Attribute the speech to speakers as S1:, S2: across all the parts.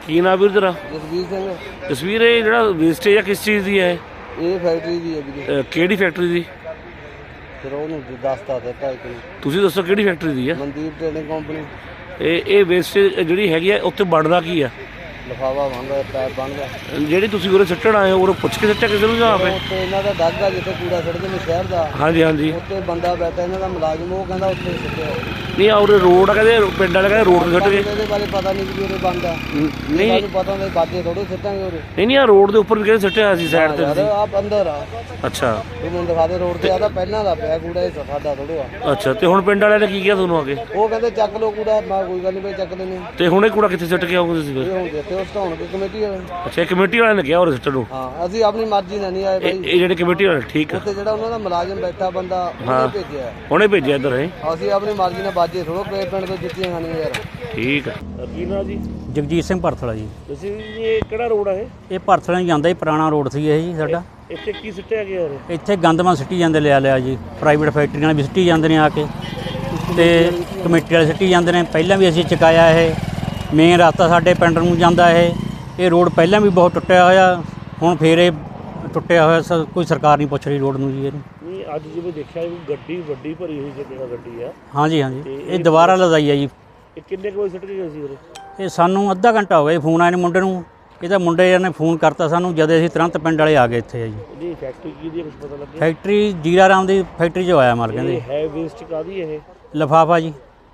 S1: ਕੀ ਨਾਮ ਵੀਰ ਤੇਰਾ?
S2: ਜਸਵੀਰ ਸਿੰਘ।
S1: ਜਸਵੀਰ, ਇਹ ਜਿਹੜਾ ਵੇਸਟੇਜ ਆ ਕਿਸ ਚੀਜ਼ ਦੀ ਹੈ?
S2: ਇਹ ਫੈਕਟਰੀ ਦੀ ਹੈ ਵੀਰੇ।
S1: ਕਿਹੜੀ ਫੈਕਟਰੀ ਦੀ?
S2: ਫਿਰ ਉਹਨੂੰ ਦੱਸਤਾ ਦਿੱਤਾ ਇੱਕ ਨੂੰ।
S1: ਤੁਸੀਂ ਦੱਸੋ ਕਿਹੜੀ ਫੈਕਟਰੀ ਦੀ ਆ?
S2: Mandeep trading company.
S1: ਇਹ ਵੇਸਟੇਜ ਜਿਹੜੀ ਹੈਗੀ ਆ ਉੱਥੇ ਬਣਦਾ ਕੀ ਆ?
S2: ਲਿਫਾਫਾ ਬਣਦਾ, ਪੈਪ ਬਣਦਾ।
S1: ਜਿਹੜੀ ਤੁਸੀਂ ਉਰੇ ਸੁੱਟਣ ਆਏ ਹੋ ਉਰੇ ਪੁੱਛ ਕੇ ਸੱਟਿਆ ਕਿਸੇ ਨੂੰ ਜਾਂ ਆਪੇ?
S2: ਉੱਥੇ ਇਹਨਾਂ ਦਾ ਦਾਗਾ ਜਿੱਥੇ ਕੂੜਾ ਸੁੱਟਦੇ ਨੇ ਸ਼ਹਿਰ ਦਾ।
S1: ਹਾਂਜੀ ਹਾਂਜੀ।
S2: ਉੱਥੇ ਬੰਦਾ ਬੈਠਾ ਇਹਨਾਂ ਦਾ ਮੁਲਾਜ਼ਮ, ਉਹ ਕਹਿੰਦਾ ਉੱਥੇ ਸੁੱਟਿਆ।
S1: ਨਹੀਂ ਉਰੇ ਰੋਡ ਆ, ਕਹਿੰਦੇ ਪਿੰਡ ਵਾਲੇ ਕਹਿੰਦੇ ਰੋਡ 'ਤੇ ਸੁੱਟ ਗਏ।
S2: ਇਹਦੇ ਬਾਰੇ ਪਤਾ ਨਹੀਂ ਕਿ ਉਰੇ ਬੰਦਾ
S1: ਨਹੀਂ
S2: ਸਾਨੂੰ ਪਤਾ ਹੁੰਦਾ ਬਾਜੇ ਥੋੜੇ ਸੁੱਟਾਂਗੇ ਉਰੇ।
S1: ਨਹੀਂ ਆ ਰੋਡ ਦੇ ਉੱਪਰ ਵੀ ਕਹਿੰਦੇ ਸੁੱਟਿਆ ਸੀ ਸਾਈਡ ਤੇ।
S2: ਯਾਰ ਆਪ ਅੰਦਰ ਆ।
S1: ਅੱਛਾ,
S2: ਉਹ ਮੈਨੂੰ ਦਿਖਾ ਦੇ ਰੋਡ ਤੇ ਆਦਾ ਪਹਿਲਾਂ ਦਾ ਪਿਆ ਕੂੜਾ, ਇਹ ਸਾਡਾ ਥੋੜਾ ਆ।
S1: ਅੱਛਾ, ਤੇ ਹੁਣ ਪਿੰਡ ਵਾਲਿਆਂ ਨੇ ਕੀ ਕਿਹਾ ਤੁਹਾਨੂੰ ਆ ਕੇ?
S2: ਉਹ ਕਹਿੰਦੇ ਚੱਕ ਲਓ ਕੂੜਾ। ਮੈਂ ਕੋਈ ਗੱਲ ਨਹੀਂ ਬਈ ਚੱਕ ਲੈਣੇ।
S1: ਤੇ ਹੁਣ ਇਹ ਕੂੜਾ ਕਿੱਥੇ ਸੁੱਟ ਕੇ ਆਉਂਗੇ ਤੁਸੀਂ ਫਿਰ?
S2: ਇਹ ਹੁਣ ਜਿੱਥੇ ਉਹ ਢਾਉਣਗੇ ਕਮੇਟੀ ਵਾਲੇ।
S1: ਅੱਛਾ, ਇਹ ਕਮੇਟੀ ਵਾਲਿਆਂ ਨੇ ਕਿਹਾ ਉਰੇ ਸੁੱਟਣ ਨੂੰ?
S2: ਹਾਂ, ਅਸੀਂ ਆਪਣੀ ਮਰਜ਼ੀ ਨਾਲ ਨਹੀਂ ਆਏ ਬਾਈ।
S1: ਇਹ ਜਿਹੜੇ ਕਮੇਟੀ ਵਾਲੇ ਠੀਕ ਆ,
S2: ਉੱਥੇ ਜਿਹੜਾ ਉਹਨਾਂ ਦਾ ਮੁਲਾਜ਼ਮ ਬੈਠਾ ਬੰਦਾ ਉਹਨੇ ਭੇਜਿਆ।
S1: ਉਹਨੇ ਭੇਜਿਆ ਇੱਧਰ ਹੈ?
S2: ਅਸੀਂ ਆਪਣੀ ਮਰਜ਼ੀ ਨਾਲ ਬਾਜੇ ਥੋੜੋ ਪਿੰਡ ਤੋਂ ਜੁੱਤੀਆਂ ਖਾਣੀਆਂ ਯਾਰ।
S1: ਠੀਕ ਆ। ਕੀ ਨਾਂ ਜੀ?
S3: ਜਗਜੀਤ ਸਿੰਘ ਭਰਥਲਾ ਜੀ।
S1: ਤੁਸੀਂ ਇਹ ਕਿਹੜਾ ਰੋਡ ਆ ਇਹ?
S3: ਇਹ ਭਰਥਲਾ ਨੂੰ ਜਾਂਦਾ ਜੀ, ਪੁਰਾਣਾ ਰੋਡ ਸੀ ਇਹ ਜੀ ਸਾਡਾ।
S1: ਇੱਥੇ ਕੀ ਸੁੱਟਿਆ ਗਿਆ ਯਾਰ?
S3: ਇੱਥੇ ਗੰਦਮਾ ਸਿੱਟੀ ਜਾਂਦੇ ਲਿਆ ਜੀ, ਪ੍ਰਾਈਵੇਟ ਫੈਕਟਰੀਆਂ ਨਾਲ ਵੀ ਸਿੱਟੀ ਜਾਂਦੇ ਨੇ ਆ ਕੇ, ਤੇ ਕਮੇਟੀ ਵਾਲੇ ਸਿੱਟੀ ਜਾਂਦੇ ਨੇ। ਪਹਿਲਾਂ ਵੀ ਅਸੀਂ ਚੁਕਾਇਆ। ਇਹ ਮੇਨ ਰਸਤਾ ਸਾਡੇ ਪਿੰਡ ਨੂੰ ਜਾਂਦਾ। ਇਹ ਰੋਡ ਪਹਿਲਾਂ ਵੀ ਬਹੁਤ ਟੁੱਟਿਆ ਹੋਇਆ, ਹੁਣ ਫੇਰ ਇਹ ਟੁੱਟਿਆ ਹੋਇਆ। ਕੋਈ ਸਰਕਾਰ ਨਹੀਂ ਪੁੱਛ ਰਹੀ ਰੋਡ ਨੂੰ ਜੀ ਇਹਨੂੰ।
S1: ਨਹੀਂ, ਅੱਜ ਜਿਵੇਂ ਦੇਖਿਆ ਗੱਡੀ ਵੱਡੀ ਭਰੀ ਹੋਈ ਜਿਹੜਾ ਗੱਡੀ ਆ।
S3: ਹਾਂਜੀ ਹਾਂਜੀ, ਇਹ ਦੁਬਾਰਾ ਲਦਾਈ ਆ ਜੀ।
S1: ਇਹ ਕਿੰਨੇ ਕੁ ਵਜੇ ਸੁੱਟ ਕੇ ਗਏ ਸੀ ਉਰੇ?
S3: ਇਹ ਸਾਨੂੰ ਅੱਧਾ ਘੰਟਾ ਹੋ ਗਿਆ ਜੀ, ਫੋਨ ਆਏ ਨੇ ਮੁੰਡੇ ਨੂੰ। ਇਹਦਾ ਮੁੰਡੇ ਨੇ ਫੋਨ ਕਰਤਾ ਸਾਨੂੰ, ਜਦ ਅਸੀਂ ਤੁਰੰਤ ਪਿੰਡ ਵਾਲੇ ਆ ਗਏ ਇੱਥੇ ਜੀ।
S1: ਇਹਦੀ ਫੈਕਟਰੀ ਕੀ ਦੀ ਕੁਝ ਪਤਾ ਲੱਗਿਆ?
S3: ਫੈਕਟਰੀ ਜੀਰਾ ਰਾਮ ਦੀ ਫੈਕਟਰੀ 'ਚ ਆਇਆ ਮਾਲ ਕਹਿੰਦੇ।
S1: ਇਹ ਹੈ ਵੇਸਟ ਕਾਦੀ ਇਹ?
S3: ਲਿਫਾਫਾ ਜੀ।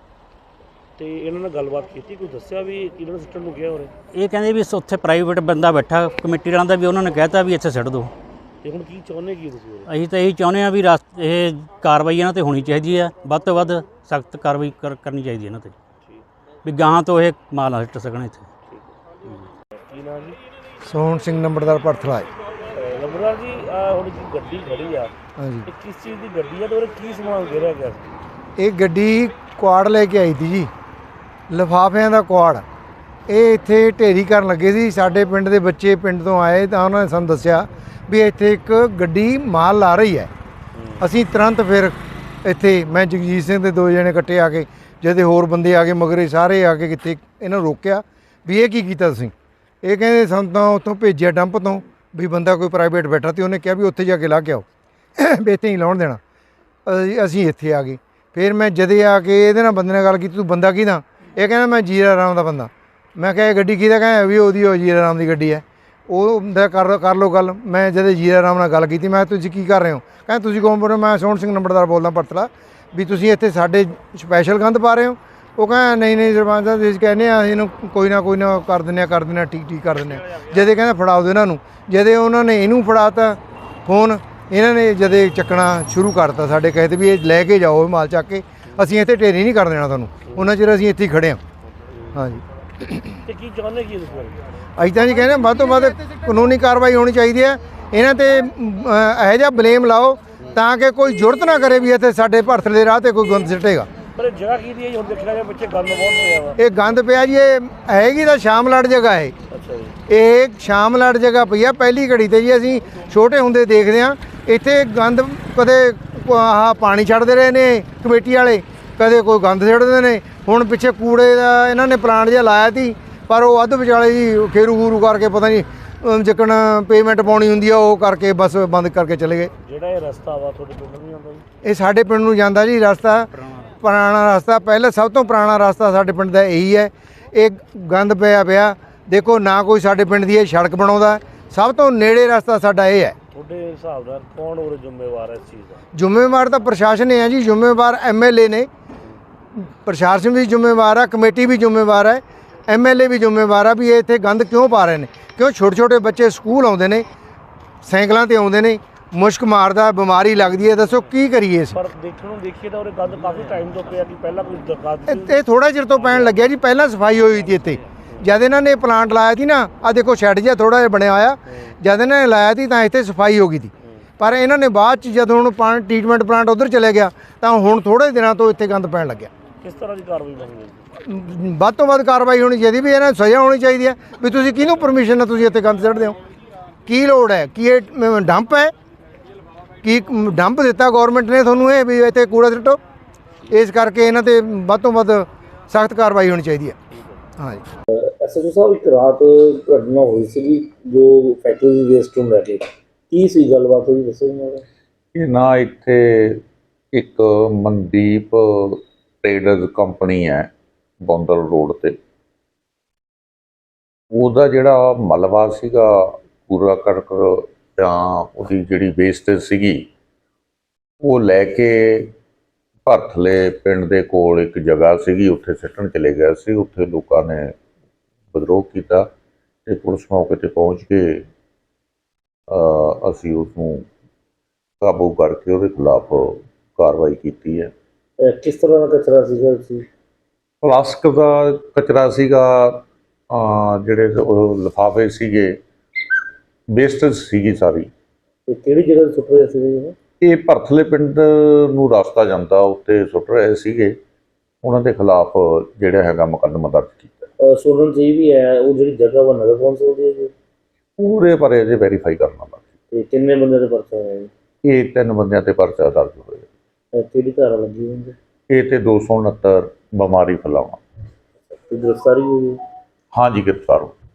S1: ਤੇ ਇਹਨਾਂ ਨਾਲ ਗੱਲਬਾਤ ਕੀਤੀ, ਕੋਈ ਦੱਸਿਆ ਵੀ ਕਿਹਨਾਂ ਨੇ ਸੁੱਟਣ ਨੂੰ ਗਿਆ ਉਰੇ?
S3: ਇਹ ਕਹਿੰਦੇ ਵੀ ਉੱਥੇ ਪ੍ਰਾਈਵੇਟ ਬੰਦਾ ਬੈਠਾ ਕਮੇਟੀ ਵਾਲਿਆਂ ਦਾ, ਵੀ ਉਹਨਾਂ ਨੇ ਕਹਿਤਾ ਵੀ ਇੱਥੇ ਸਿੱਟ ਦਿਓ।
S1: ਤੇ ਹੁਣ ਕੀ ਚਾਹੁੰਦੇ ਕੀ ਤੁਸੀਂ ਉਰੇ?
S3: ਅਸੀਂ ਤਾਂ ਇਹੀ ਚਾਹੁੰਦੇ ਹਾਂ ਵੀ ਇਹ ਕਾਰਵਾਈ ਇਹਨਾਂ 'ਤੇ ਹੋਣੀ ਚਾਹੀਦੀ ਹੈ, ਵੱਧ ਤੋਂ ਵੱਧ ਸਖਤ ਕਾਰਵਾਈ ਕਰਨੀ ਚਾਹੀਦੀ ਇਹਨਾਂ 'ਤੇ, ਵੀ ਗਾਹਾਂ ਤੋਂ ਇਹ ਮਾਲ ਨਾ ਸਿੱਟ ਸਕਣ ਇੱਥੇ।
S1: ਕੀ ਨਾਮ ਜੀ?
S2: ਸੋਹਣ ਸਿੰਘ ਨੰਬਰਦਾਰ ਭਰਥਲਾ।
S1: ਨੰਬਰਦਾਰ ਜੀ, ਹੁਣ ਜੀ ਗੱਡੀ ਖੜੀ ਆ,
S2: ਹਾਂਜੀ,
S1: ਇਹ ਕਿਸ ਚੀਜ਼ ਦੀ ਗੱਡੀ ਆ ਤੇ ਉਹਦੇ ਕੀ ਸਮਾਨ ਗਿਰਿਆ ਗਿਆ?
S2: ਇਹ ਗੱਡੀ ਕੁਆੜ ਲੈ ਕੇ ਆਈ ਸੀ ਜੀ, ਲਿਫਾਫਿਆਂ ਦਾ ਕੁਆੜ। ਇਹ ਇੱਥੇ ਢੇਰੀ ਕਰਨ ਲੱਗੇ ਸੀ। ਸਾਡੇ ਪਿੰਡ ਦੇ ਬੱਚੇ ਪਿੰਡ ਤੋਂ ਆਏ ਤਾਂ ਉਹਨਾਂ ਨੇ ਸਾਨੂੰ ਦੱਸਿਆ ਵੀ ਇੱਥੇ ਇੱਕ ਗੱਡੀ ਮਾਲ ਲਾ ਰਹੀ ਹੈ। ਅਸੀਂ ਤੁਰੰਤ ਫਿਰ ਇੱਥੇ ਮੈਂ ਜਗਜੀਤ ਸਿੰਘ ਦੇ 2 ਜਣੇ ਇਕੱਠੇ ਆ ਕੇ, ਜਦੇ ਹੋਰ ਬੰਦੇ ਆ ਗਏ ਮਗਰੇ ਸਾਰੇ ਆ ਕੇ, ਕਿੱਥੇ ਇਹਨਾਂ ਨੂੰ ਰੋਕਿਆ ਵੀ ਇਹ ਕੀ ਕੀਤਾ ਤੁਸੀਂ? ਇਹ ਕਹਿੰਦੇ ਸਾਨੂੰ ਤਾਂ ਉੱਥੋਂ ਭੇਜਿਆ ਡੰਪ ਤੋਂ, ਵੀ ਬੰਦਾ ਕੋਈ ਪ੍ਰਾਈਵੇਟ ਬੈਠਾ ਤੇ ਉਹਨੇ ਕਿਹਾ ਵੀ ਉੱਥੇ ਜਾ ਕੇ ਲਾ ਕੇ ਆਓ, ਵੀ ਇੱਥੇ ਨਹੀਂ ਲਾਉਣ ਦੇਣਾ। ਅਸੀਂ ਇੱਥੇ ਆ ਗਏ। ਫਿਰ ਮੈਂ ਜਦੇ ਆ ਕੇ ਇਹਦੇ ਨਾਲ ਬੰਦੇ ਨਾਲ ਗੱਲ ਕੀਤੀ, ਤੂੰ ਬੰਦਾ ਕਿਹਦਾ? ਇਹ ਕਹਿੰਦਾ ਮੈਂ ਜੀਰਾ ਰਾਮ ਦਾ ਬੰਦਾ। ਮੈਂ ਕਿਹਾ ਇਹ ਗੱਡੀ ਕਿਹਦਾ? ਕਹਿੰਦਾ ਵੀ ਉਹਦੀ, ਉਹ ਜੀਰਾ ਰਾਮ ਦੀ ਗੱਡੀ ਹੈ। ਉਹ ਕਰ ਲਓ ਗੱਲ। ਮੈਂ ਜਦੇ ਜੀਰਾ ਰਾਮ ਨਾਲ ਗੱਲ ਕੀਤੀ, ਮੈਂ ਤੁਸੀਂ ਕੀ ਕਰ ਰਹੇ ਹੋ? ਕਹਿੰਦਾ ਤੁਸੀਂ ਕੌਣ ਬੋਲ ਰਹੇ? ਮੈਂ ਸੋਹਣ ਸਿੰਘ ਨੰਬਰਦਾਰ ਬੋਲਦਾ ਭਰਥਲਾ। ਵੀ ਤੁਸੀਂ ਇੱਥੇ ਸਾਡੇ ਸਪੈਸ਼ਲ ਗੰਦ ਪਾ ਰਹੇ ਹੋ? ਉਹ ਕਹਿੰਦਾ ਨਹੀਂ ਸਰਪੰਚ ਸਾਹਿਬ, ਤੁਸੀਂ ਕਹਿੰਦੇ ਆ ਇਹਨੂੰ ਕੋਈ ਨਾ ਕਰ ਦਿੰਦੇ ਆ, ਠੀਕ ਕਰ ਦਿੰਦੇ ਆ। ਜਦੇ ਕਹਿੰਦਾ ਫੜਾਓ ਦਿਓ ਇਹਨਾਂ ਨੂੰ। ਜਦੇ ਉਹਨਾਂ ਨੇ ਇਹਨੂੰ ਫੜਾਤਾ ਫੋਨ, ਇਹਨਾਂ ਨੇ ਜਦੇ ਚੱਕਣਾ ਸ਼ੁਰੂ ਕਰਤਾ ਸਾਡੇ ਕਹੇ 'ਤੇ ਵੀ ਇਹ ਲੈ ਕੇ ਜਾਓ ਮਾਲ ਚੱਕ ਕੇ, ਅਸੀਂ ਇੱਥੇ ਢੇਰੀ ਨਹੀਂ ਕਰ ਦੇਣਾ ਤੁਹਾਨੂੰ। ਉਹਨਾਂ ਚਿਰ ਅਸੀਂ ਇੱਥੇ ਹੀ ਖੜ੍ਹੇ ਹਾਂ। ਹਾਂਜੀ,
S1: ਤੇ ਕੀ ਚਾਹੁੰਦੇ ਕੀ ਤੁਸੀਂ?
S2: ਅਸੀਂ ਤਾਂ ਜੀ ਕਹਿੰਦੇ ਵੱਧ ਤੋਂ ਵੱਧ ਕਾਨੂੰਨੀ ਕਾਰਵਾਈ ਹੋਣੀ ਚਾਹੀਦੀ ਹੈ। ਇਹਨਾਂ 'ਤੇ ਇਹੋ ਜਿਹਾ ਬਲੇਮ ਲਾਓ ਤਾਂ ਕਿ ਕੋਈ ਜ਼ਰੂਰਤ ਨਾ ਕਰੇ ਵੀ ਇੱਥੇ ਸਾਡੇ ਭਰਥਲੇ ਦੇ ਰਾਹ 'ਤੇ ਕੋਈ ਗੰਦ ਸਿੱਟੇਗਾ।
S1: ਪਰ ਜਗ੍ਹਾ ਕੀ ਦੀ ਹੈ? ਹੁਣ ਦੇਖਿਆ ਗਿਆ ਬੱਚੇ ਗੰਦ ਬਹੁਤ ਪਿਆ ਵਾ।
S2: ਇਹ ਗੰਦ ਪਿਆ ਜੀ, ਇਹ ਹੈਗੀ ਤਾਂ ਸ਼ਾਮਲਾਟ ਜਗ੍ਹਾ ਹੈ।
S1: ਅੱਛਾ ਜੀ।
S2: ਇਹ ਸ਼ਾਮਲਾਟ ਜਗ੍ਹਾ ਪਈ ਆ ਪਹਿਲੀ ਘੜੀ 'ਤੇ ਜੀ। ਅਸੀਂ ਛੋਟੇ ਹੁੰਦੇ ਦੇਖਦੇ ਹਾਂ ਇੱਥੇ ਗੰਦ, ਕਦੇ ਆਹ ਪਾਣੀ ਛੱਡਦੇ ਰਹੇ ਨੇ ਕਮੇਟੀ ਵਾਲੇ, ਕਦੇ ਕੋਈ ਗੰਦ ਛੱਡਦੇ ਨੇ। ਹੁਣ ਪਿੱਛੇ ਕੂੜੇ ਦਾ ਇਹਨਾਂ ਨੇ ਪਲਾਂਟ ਜਿਹਾ ਲਾਇਆ ਸੀ, ਪਰ ਉਹ ਅੱਧ ਵਿਚਾਲੇ ਜੀ ਖੇਰੂ ਕਰਕੇ ਪਤਾ ਨਹੀਂ ਜਿੱਕਣ ਪੇਮੈਂਟ ਪਾਉਣੀ ਹੁੰਦੀ ਆ ਉਹ ਕਰਕੇ ਬਸ ਬੰਦ ਕਰਕੇ ਚਲੇ ਗਏ।
S1: ਜਿਹੜਾ ਇਹ ਰਸਤਾ ਵਾ ਤੁਹਾਡੇ ਪਿੰਡ ਨੂੰ ਜਾਂਦਾ ਜੀ?
S2: ਇਹ ਸਾਡੇ ਪਿੰਡ ਨੂੰ ਜਾਂਦਾ ਜੀ ਰਸਤਾ, ਪੁਰਾਣਾ ਰਸਤਾ, ਪਹਿਲਾਂ ਸਭ ਤੋਂ ਪੁਰਾਣਾ ਰਸਤਾ ਸਾਡੇ ਪਿੰਡ ਦਾ ਇਹੀ ਹੈ। ਇਹ ਗੰਦ ਪਿਆ ਦੇਖੋ, ਨਾ ਕੋਈ ਸਾਡੇ ਪਿੰਡ ਦੀ ਇਹ ਸੜਕ ਬਣਾਉਂਦਾ। ਸਭ ਤੋਂ ਨੇੜੇ ਰਸਤਾ ਸਾਡਾ ਇਹ ਹੈ।
S1: ਤੁਹਾਡੇ ਹਿਸਾਬ ਨਾਲ ਕੌਣ ਉਰੇ ਜ਼ਿੰਮੇਵਾਰ ਹੈ ਇਸ ਚੀਜ਼ ਦਾ?
S2: ਜ਼ਿੰਮੇਵਾਰ ਤਾਂ ਪ੍ਰਸ਼ਾਸਨ ਹੈ ਜੀ, ਜ਼ਿੰਮੇਵਾਰ MLA ਨੇ, ਪ੍ਰਸ਼ਾਸਨ ਵੀ ਜ਼ਿੰਮੇਵਾਰ ਹੈ, ਕਮੇਟੀ ਵੀ ਜ਼ਿੰਮੇਵਾਰ ਹੈ, MLA ਵੀ ਜ਼ਿੰਮੇਵਾਰ ਆ ਵੀ ਇਹ ਇੱਥੇ ਗੰਦ ਕਿਉਂ ਪਾ ਰਹੇ ਨੇ। ਕਿਉਂ ਛੋਟੇ ਬੱਚੇ ਸਕੂਲ ਆਉਂਦੇ ਨੇ, ਸਾਈਕਲਾਂ 'ਤੇ ਆਉਂਦੇ ਨੇ, ਮੁਸ਼ਕ ਮਾਰਦਾ, ਬਿਮਾਰੀ ਲੱਗਦੀ ਹੈ। ਦੱਸੋ ਕੀ ਕਰੀਏ ਅਸੀਂ?
S1: ਪਰ ਦੇਖਣ ਨੂੰ ਦੇਖੀਏ ਤਾਂ ਉਰੇ ਗੰਦ ਕਾਫੀ ਟਾਈਮ ਤੋਂ ਪਿਆ, ਕਿ ਪਹਿਲਾਂ ਕੋਈ ਦਰਖਾਸਤ?
S2: ਇਹ ਥੋੜਾ ਚਿਰ ਤੋਂ ਪੈਣ ਲੱਗਿਆ ਜੀ। ਪਹਿਲਾਂ ਸਫਾਈ ਹੋਈ ਸੀ ਇੱਥੇ, ਜਦ ਇਹਨਾਂ ਨੇ ਪਲਾਂਟ ਲਾਇਆ ਸੀ ਨਾ, ਆ ਦੇਖੋ ਸ਼ੈੱਡ ਜਿਹਾ ਥੋੜਾ ਜਿਹਾ ਬਣਿਆ ਹੋਇਆ, ਜਦ ਇਹਨਾਂ ਨੇ ਲਾਇਆ ਸੀ ਤਾਂ ਇੱਥੇ ਸਫਾਈ ਹੋ ਗਈ ਸੀ। ਪਰ ਇਹਨਾਂ ਨੇ ਬਾਅਦ 'ਚ ਜਦੋਂ ਹੁਣ ਟ੍ਰੀਟਮੈਂਟ ਪਲਾਂਟ ਉੱਧਰ ਚਲੇ ਗਿਆ ਤਾਂ ਹੁਣ ਥੋੜੇ ਦਿਨਾਂ ਤੋਂ ਇੱਥੇ ਗੰਦ ਪੈਣ ਲੱਗਿਆ।
S1: ਕਿਸ ਤਰ੍ਹਾਂ ਦੀ ਕਾਰਵਾਈ ਮੰਗਦੇ?
S2: ਵੱਧ ਤੋਂ ਵੱਧ ਕਾਰਵਾਈ ਹੋਣੀ ਚਾਹੀਦੀ, ਵੀ ਇਹਨਾਂ ਨੂੰ ਸਜ਼ਾ ਹੋਣੀ ਚਾਹੀਦੀ ਹੈ। ਵੀ ਤੁਸੀਂ ਕਿਹਨੂੰ ਪਰਮਿਸ਼ਨ ਨਾਲ ਤੁਸੀਂ ਇੱਥੇ ਗੰਦ ਸੁੱਟਦੇ ਹੋ? ਕੀ ਲੋੜ ਹੈ? ਕੀ ਇਹ ਡੰਪ ਹੈ? ਕੀ ਡੰਪ ਦਿੱਤਾ ਗੌਰਮੈਂਟ ਨੇ ਤੁਹਾਨੂੰ ਇਹ ਵੀ ਇੱਥੇ ਕੂੜਾ ਸੁੱਟੋ? ਇਸ ਕਰਕੇ ਇਹਨਾਂ 'ਤੇ ਵੱਧ ਤੋਂ ਵੱਧ ਸਖਤ ਕਾਰਵਾਈ ਹੋਣੀ ਚਾਹੀਦੀ ਹੈ। ਹਾਂ ਜੀ।
S1: ਐਸਐਚਓ ਸਾਹਿਬ, ਇੱਕ ਰਾਤ ਘਟਨਾ ਹੋਈ ਸੀ ਜੋ ਫੈਕਟਰੀ ਦੀ ਵੇਸਟ ਨੂੰ ਲੈ ਕੇ, ਕੀ ਸੀ ਗੱਲਬਾਤ ਹੋਈ, ਦੱਸੋ ਮੈਨੂੰ।
S4: ਇਹ ਨਾ ਇੱਥੇ ਇੱਕ ਮਨਦੀਪ ਟ੍ਰੇਡਰਜ਼ ਕੰਪਨੀ ਹੈ ਬੌਂਦਲ ਰੋਡ ਤੇ। ਉਹਦਾ ਜਿਹੜਾ ਮਲਬਾ ਸੀਗਾ, ਕੂੜਾ ਕਰਕਟ ਜਾਂ ਉਹਦੀ ਜਿਹੜੀ ਵੇਸਟੇਜ ਸੀਗੀ, ਉਹ ਲੈ ਕੇ ਭਰਥਲੇ ਪਿੰਡ ਦੇ ਕੋਲ ਇੱਕ ਜਗ੍ਹਾ ਸੀਗੀ, ਉੱਥੇ ਸਿੱਟਣ ਚਲੇ ਗਿਆ ਸੀ। ਉੱਥੇ ਲੋਕਾਂ ਨੇ ਵਿਦਰੋਹ ਕੀਤਾ ਤੇ ਪੁਲਿਸ ਮੌਕੇ ਤੇ ਪਹੁੰਚ ਕੇ ਅਸੀਂ ਉਸਨੂੰ ਕਾਬੂ ਕਰਕੇ ਉਹਦੇ ਖਿਲਾਫ ਕਾਰਵਾਈ ਕੀਤੀ ਹੈ।
S1: ਕਿਸ ਤਰ੍ਹਾਂ ਦਾ ਕਚਰਾ ਸੀਗਾ ਸੀ?
S4: ਪਲਾਸਟਿਕ ਦਾ ਕਚਰਾ ਸੀਗਾ, ਜਿਹੜੇ ਉਹ ਲਿਫਾਫੇ ਸੀਗੇ, ਵੇਸਟੇਜ ਸੀਗੀ ਸਾਰੀ।
S1: ਤੇ ਕਿਹੜੀ ਜਗ੍ਹਾ ਤੇ ਸੁੱਟ ਰਹੇ ਸੀ?
S4: ਇਹ ਭਰਥਲੇ ਪਿੰਡ ਨੂੰ ਰਸਤਾ ਜਾਂਦਾ, ਉੱਤੇ ਸੁੱਟ ਰਹੇ ਸੀਗੇ। ਉਹਨਾਂ ਦੇ ਖਿਲਾਫ ਜਿਹੜਾ ਹੈਗਾ ਮੁਕੱਦਮਾ ਦਰਜ ਕੀਤਾ।
S1: ਸੁਣਨ ਚ ਇਹ ਵੀ ਹੈ ਉਹ ਜਿਹੜੀ ਜਗ੍ਹਾ ਵਾ ਨਗਰ ਕੌਂਸਲ ਦੀ ਹੈ ਜੀ?
S4: ਪੂਰੇ ਬਾਰੇ ਅਜੇ ਵੈਰੀਫਾਈ ਕਰਨਾ ਬਾਕੀ।
S1: ਤੇ ਕਿੰਨੇ ਬੰਦੇ ਦੇ ਪਰਚਾ ਹੋਇਆ ਜੀ?
S4: ਇਹ 3 ਬੰਦਿਆਂ ਤੇ ਪਰਚਾ ਦਰਜ ਹੋਇਆ।
S1: ਕਿਹੜੀ ਧਾਰਾ ਲੱਗੀ ਹੁੰਦੀ?
S4: ਇਹ ਤੇ 269 ਬਿਮਾਰੀ ਫੈਲਾਉਣਾ।
S1: ਤੇ ਗ੍ਰਿਫਤਾਰੀ ਹੋਈ?
S4: ਹਾਂਜੀ, ਗ੍ਰਿਫਤਾਰ ਹੋ।